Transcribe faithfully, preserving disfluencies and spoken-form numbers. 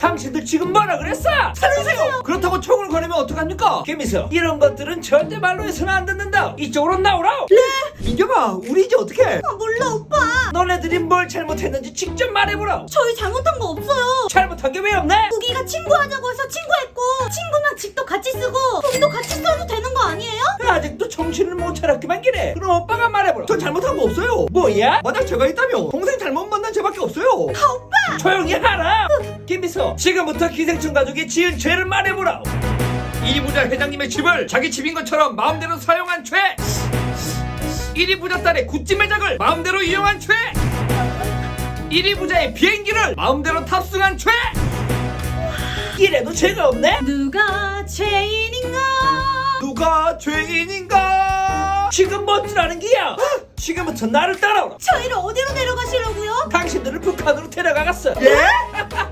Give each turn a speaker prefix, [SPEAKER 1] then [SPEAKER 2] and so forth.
[SPEAKER 1] 당신들 지금 뭐라 그랬어? 살려주세요. 그렇다고 총을 거내면 어떡합니까? 김미수, 이런 것들은 절대 말로 해서는 안 듣는다. 이쪽으로 나오라.
[SPEAKER 2] 네? 민겸아, 우리 이제 어떡해?
[SPEAKER 3] 아, 몰라 오빠.
[SPEAKER 1] 너네들이 뭘 잘못했는지 직접 말해보라.
[SPEAKER 3] 저희 잘못한 거 없어요.
[SPEAKER 1] 잘못한 게 왜 없네?
[SPEAKER 3] 우기가 친구하자고 해서 친구했고 친구면 집도 같이 쓰고 돈도 같이 써도 되는 거 아니에요?
[SPEAKER 1] 아직도 정신을 못 차렸기만 기래. 그럼 오빠가 말해보라.
[SPEAKER 2] 전 잘못한 거 없어요.
[SPEAKER 1] 뭐야?
[SPEAKER 2] 만약 제가 있다면 동생 잘못 만난 죄밖에 없어요.
[SPEAKER 3] 아 오빠.
[SPEAKER 1] 조용히 하라. 김미수, 지금부터 기생충 가족이 지은 죄를 말해보라.
[SPEAKER 4] 이 부자 회장님의 집을 자기 집인 것처럼 마음대로 사용한 죄. 일 위 부자 딸의 굿즈 매장을 마음대로 이용한 죄. 일 위 부자의 비행기를 마음대로 탑승한 죄.
[SPEAKER 1] 이래도 죄가 없네?
[SPEAKER 3] 누가 죄인인가?
[SPEAKER 2] 누가 죄인인가?
[SPEAKER 1] 지금 뭔 줄 아는 기야? 지금부터 나를 따라오라.
[SPEAKER 3] 저희를 어디로 데려가시려고요?
[SPEAKER 1] 당신들을 북한으로 데려가갔어.
[SPEAKER 2] 예?